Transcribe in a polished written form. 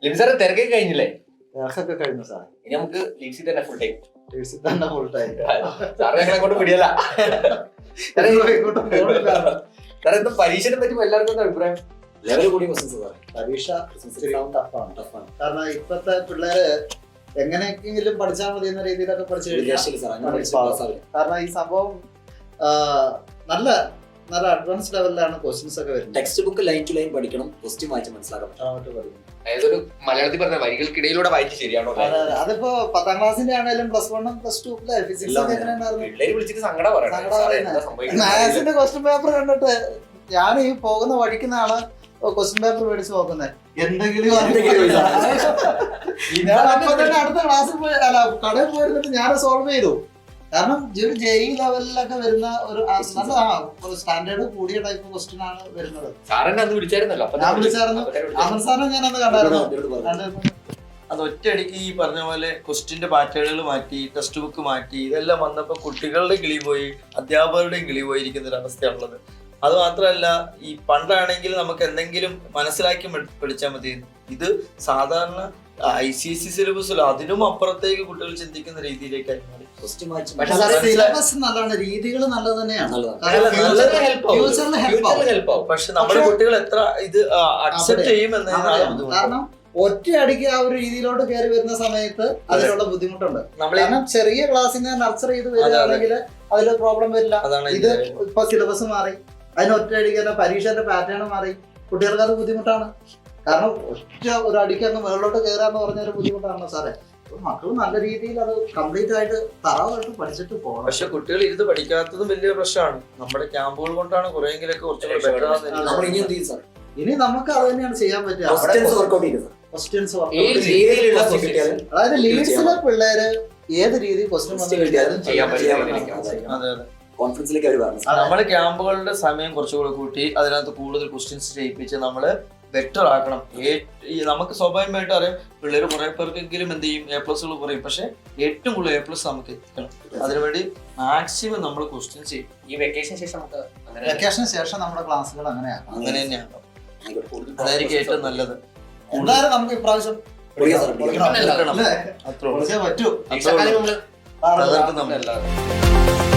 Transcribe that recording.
Libi sir തിരക്കൊക്കെ കഴിഞ്ഞില്ലേ? തിരക്കൊക്കെ കഴിഞ്ഞു സാർ. ഇനി നമുക്ക് ലീഡ്സിൽ തന്നെ ഫുൾ ടൈം. തന്നെ ഫുൾ ടൈം. സാറ് ഞങ്ങളെ കൊണ്ട് പിടിയല്ല. സാറേ എന്താ പരീക്ഷനെ പറ്റി എല്ലാവർക്കും എന്താ അഭിപ്രായം? ലെവൽ കൂടി ക്വസ്റ്റ്യൻസ് സാർ. പരീക്ഷ ടഫാണ്. കാരണം ഇപ്പത്തെ പിള്ളേര് എങ്ങനെയെങ്കിലും പഠിച്ചാൽ മതി എന്ന രീതിയിലൊക്കെ പഠിച്ചു കഴിഞ്ഞാൽ, കാരണം ഈ സംഭവം നല്ല നല്ല അഡ്വാൻസ് ലെവലിലാണ് ക്വസ്റ്റ്യൻസ് ഒക്കെ വരുന്നത്. Text book line to line പഠിക്കണം, ക്വസ്റ്റ്യൻ വായിച്ച് മനസ്സിലാക്കണം. അതായത് ഒരു മലയാളത്തിൽ പറഞ്ഞ വരികൾക്കിടയിലൂടെ വായിച്ച് ശരിയാണോ? അതിപ്പോ 10ാം ക്ലാസ്സിന്റെ ആണെങ്കിലും +1 +2 ഫിസിക്സ് ഒക്കെ എങ്ങനെയുണ്ടായിരുന്നു? പിള്ളേര് വിളിച്ചിട്ട് സങ്കടം പറയണം. മാത്സിന്റെ ക്വസ്റ്റ്യൻ പേപ്പർ കണ്ടിട്ട് ഞാൻ ഈ പോകുന്ന വഴിക്കുന്നാണ് ക്വസ്റ്റ്യൻ പേപ്പർ മേടിച്ച് നോക്കുന്നത്. എന്തെങ്കിലും ഞാൻ അപ്പൊ തന്നെ അടുത്ത ക്ലാസ്സിൽ പോയി അല്ല കടയിൽ പോയിരുന്നിട്ട് ഞാൻ സോൾവ് ചെയ്തു. കാരണം ഒരു ജെഇ ലെവലിലൊക്കെ വരുന്ന ഒരു നല്ല സ്റ്റാൻഡേർഡ് കൂടിയ ടൈപ്പ് ക്വസ്റ്റ്യൻ ആണ് വരുന്നത്. സാറിനെ അന്ന് വിളിച്ചായിരുന്നല്ലോ? ഞാൻ വിളിച്ചായിരുന്നു. അമൃത് സാറിനെ ഞാൻ അന്ന് കണ്ടായിരുന്നു. അത് ഒറ്റയടിക്ക് ഈ പറഞ്ഞ പോലെ ക്വസ്റ്റ്യന്റെ പാറ്റേണുകൾ മാറ്റി, ടെക്സ്റ്റ് ബുക്ക് മാറ്റി, ഇതെല്ലാം വന്നപ്പോൾ കുട്ടികളുടെ കിളി പോയി, അധ്യാപകരുടെയും കിളി പോയിരിക്കുന്ന ഒരു അവസ്ഥയാണുള്ളത്. അത് മാത്രമല്ല, ഈ പണ്ടാണെങ്കിൽ നമുക്ക് എന്തെങ്കിലും മനസ്സിലാക്കി പഠിച്ചാൽ മതി. ഇത് സാധാരണ ICSE സിലബസിലോ അതിനും അപ്പുറത്തേക്ക് കുട്ടികൾ ചിന്തിക്കുന്ന രീതിയിലേക്കായി മാറി. സിലബസ് നല്ലതാണ്, രീതികൾ നല്ലത് തന്നെയാണ്, പക്ഷെ നമ്മുടെ കുട്ടികൾ എത്ര ഇത് അക്സെപ്റ്റ് ചെയ്യുമെന്നതാണ് ബുദ്ധിമുട്ട്. കാരണം ഒറ്റയടിക്ക് ആ ഒരു രീതിയിലോട്ട് കയറി വരുന്ന സമയത്ത് അതിനുള്ള ബുദ്ധിമുട്ടുണ്ട്. കാരണം ചെറിയ ക്ലാസ്സിൽ നിന്ന് നർച്ചറി ചെയ്ത് വരികയാണെങ്കിൽ അതിൽ പ്രോബ്ലം വരില്ല. ഇത് ഇപ്പൊ സിലബസ് മാറി, അതിന് ഒറ്റയടിക്ക് തന്നെ പരീക്ഷന്റെ പാറ്റേൺ മാറി, കുട്ടികൾക്ക് അത് ബുദ്ധിമുട്ടാണ്. കാരണം ഒറ്റ ഒരു അടിക്ക് അങ്ങ് മുകളിലോട്ട് കയറാന്ന് പറഞ്ഞൊരു ബുദ്ധിമുട്ടാണ് സാറേ. മക്കൾ നല്ല രീതിയിൽ അത് കംപ്ലീറ്റ് ആയിട്ട് തറവായിട്ട് പഠിച്ചിട്ട് പോകണം. പക്ഷെ കുട്ടികൾ ഇരുന്ന് പഠിക്കാത്തതും വലിയ പ്രശ്നമാണ്. നമ്മുടെ ക്യാമ്പുകൾ കൊണ്ടാണ് കുറെയെങ്കിലൊക്കെ കുറച്ചുകൂടെ ബെറ്റർ ആവുന്നത്. ഇനി നമുക്ക് അത് തന്നെയാണ് ചെയ്യാൻ പറ്റുക. അതായത് ലീഡ്സിലെ പിള്ളേര് ഏത് രീതിയിൽ ക്വസ്റ്റ്യൻ ചെയ്യാൻ കോൺഫിഡൻസിലേക്ക് അവർ പറഞ്ഞു. നമ്മള് ക്യാമ്പുകളുടെ സമയം കുറച്ചുകൂടെ കൂട്ടി അതിനകത്ത് കൂടുതൽ ക്വസ്റ്റ്യൻസ് ചെയ്യിപ്പിച്ച് നമ്മള് ബെറ്റർ ആക്കണം. നമുക്ക് സ്വാഭാവികമായിട്ട് അറിയാം, പിള്ളേർ കുറെ പേർക്കെങ്കിലും എന്ത് ചെയ്യും, A+കൾ കുറയും. പക്ഷെ ഏറ്റവും കൂടുതൽ A+ നമുക്ക് എത്തിക്കണം. അതിനുവേണ്ടി മാക്സിമം നമ്മൾ ക്വസ്റ്റ്യൻ ചെയ്യും. ഈ വെക്കേഷന് ശേഷം നമ്മുടെ ക്ലാസ്സുകൾ അങ്ങനെ തന്നെയാണ്. അതായിരിക്കും ഏറ്റവും നല്ലത്. എന്തായാലും നമുക്ക് ഇപ്രാവശ്യം അത്രേ പറ്റൂ. നമ്മൾ